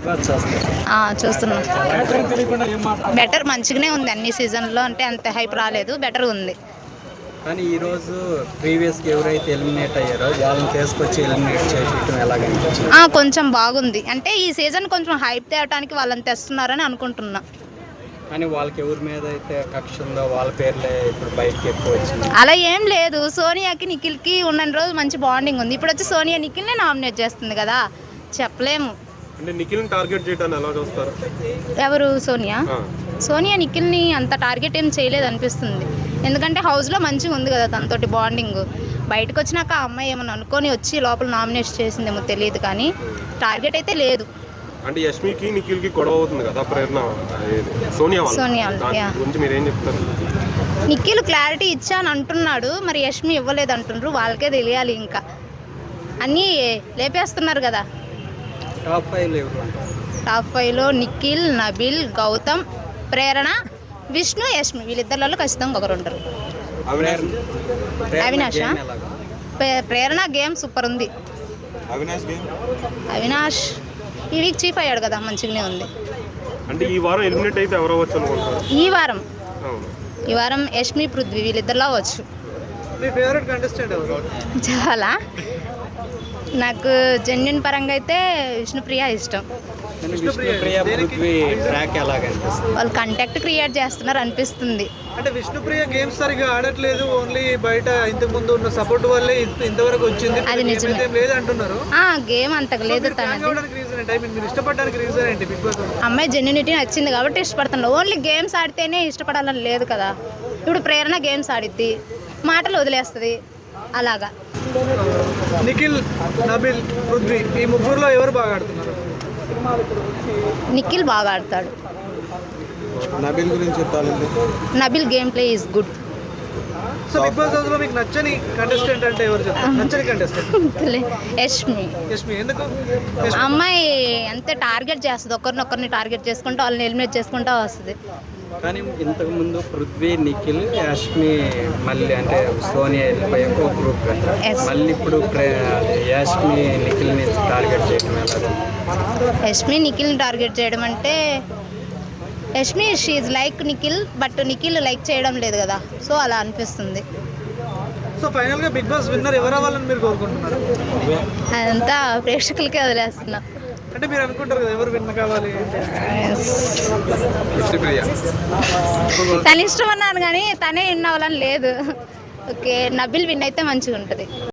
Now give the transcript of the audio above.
చూస్తున్నా. బెటర్ మంచిగానే ఉంది అన్ని సీజన్లో, అంటే అంత హైప్ రాలేదు, బెటర్ ఉంది. కానీ ఈరోజు ప్రీవియస్గా ఎవరైతే ఎలిమినేట్ అయ్యారో వాళ్ళని తీసుకొచ్చి ఎలిమినేట్ చేయడం ఎలాగనిపించింది? కొంచెం బాగుంది, అంటే ఈ సీజన్ కొంచెం హైప్ తేవడానికి వాళ్ళని తెస్తున్నారని అనుకుంటున్నా. కానీ వాళ్ళకి ఎవరి మీద అయితే కక్ష ఉందో వాళ్ళ పేర్లే ఇప్పుడు బయటకి ఎక్కువ వచ్చింది. అలా ఏం లేదు, సోనియాకి నిఖిల్కి ఉన్న రోజు మంచి బాండింగ్ ఉంది. ఇప్పుడు వచ్చి సోనియా నిఖిల్నే నామినేట్ చేస్తుంది కదా, చెప్పలేము. అంటే నిఖిల్ని టార్గెట్ చేయడానికి ఎలా చూస్తారు? ఎవరు? సోనియా నిఖిల్ని అంత టార్గెట్ ఏం చేయలేదు అనిపిస్తుంది. ఎందుకంటే హౌస్లో మంచిగా ఉంది కదా తనతోటి బాండింగ్. బయటకు వచ్చినాక ఆ అమ్మాయి ఏమన్నా అనుకొని వచ్చి లోపల నామినేట్ చేసిందేమో తెలియదు, కానీ టార్గెట్ అయితే లేదు. అంటే యష్మికి నిఖిల్కి గొడవ అవుతుంది కదా, ప్రేరణ సోనియా గురించి మీరేం చెప్తారు? నిఖిల్ క్లారిటీ ఇచ్చాను అంటున్నాడు, మరి యష్మి ఇవ్వలేదు అంటుండ్రు, వాళ్ళకే తెలియాలి. ఇంకా అన్నీ లేపేస్తున్నారు కదా. టాప్ 5లో నిఖిల్, నబిల్, గౌతమ్, ప్రేరణ, విష్ణు, యష్మి, వీళ్ళిద్దరిలో ఖచ్చితంగా ఒకరు ఉంటారు. అవినాష్ ప్రేరణ గేమ్ సూపర్ ఉంది. అవినాష్ ఈ వీక్ చీఫ్ అయ్యాడు కదా, మంచిగానే ఉంది. అంటే ఈ వారం ఎలిమినేట్ అయితే ఎవరు అవ్వచ్చు అనుకుంటారు? ఈ వారం యష్మి, పృథ్వీ వీళ్ళిద్దరిలో అవ్వచ్చు. మీ ఫేవరెట్ కంటెస్టెంట్ ఎవరు? చాలా నాకు జెన్యున్ పరంగా అయితే విష్ణుప్రియ ఇష్టం. వాళ్ళు కంటెక్ట్ క్రియేట్ చేస్తున్నారు అనిపిస్తుంది. అంటే విష్ణుప్రియ గేమ్స్ సరిగా ఆడట్లేదు, ఓన్లీ బయట ఇంతకు ముందు ఉన్న సపోర్ట్ వల్లే ఇంతవరకు వచ్చింది. అది నిజమే, లేదు అంటున్నారు. గేమ్ అంతకు లేదు. అమ్మాయి జెన్యునిటీ నచ్చింది కాబట్టి ఇష్టపడుతున్నారు. ఓన్లీ గేమ్స్ ఆడితేనే ఇష్టపడాలని లేదు కదా. ఇప్పుడు ప్రేరణ గేమ్స్ ఆడిద్ది, మాటలు వదిలేస్తుంది అలాగా. నిఖిల్, నబిల్, పృథ్వీ ఈ ముగ్గురులో ఎవరు బాగా ఆడుతున్నారు? నిఖిల్ బాగా ఆడతాడు. నబిల్ గురించి చెప్పాలంటే Nabil game play is good. So big boss house లో మీకు నచ్చని కంటెస్టెంట్ అంటే ఎవరు చెప్తారు? నచ్చని కంటెస్టెంట్ యష్మి. ఎందుకు? అమ్మాయి అంతే టార్గెట్ చేస్తుంది, ఒకరినొకరిని టార్గెట్ చేసుకుంటూ వాళ్ళని ఎలిమినేట్ చేసుకుంటూ వస్తుంది. కానీ ఇంతకుముందు పృథ్వీ, నిఖిల్, యష్మి, మళ్ళీ అంటే సోనియా వెళ్ళిపోయాక ఒక గ్రూప్, మళ్ళీ ఇప్పుడు యష్మి నిఖిల్ని టార్గెట్ చేయడం ఎలా? యష్మి నిఖిల్ని టార్గెట్ చేయడం అంటే, Yashmi she's like Nikhil, but Nikhil like చేయడం లేదు కదా, సో అలా అనిపిస్తుంది. సో ఫైనల్గా బిగ్ బాస్ విన్నర్ ఎవరు అవ్వాలని మీరు కోరుకుంటున్నారు? అదంతా ప్రేక్షకులకే వదిలేస్తున్నా. అంటే మీరు అనుకుంటారు కదా ఎవరు విన్ కావాలి? తన ఇష్టం అన్నాను కానీ తనే విన్ అవ్వాలని లేదు. ఓకే, నబిల్ విన్ అయితే మంచిగా ఉంటుంది.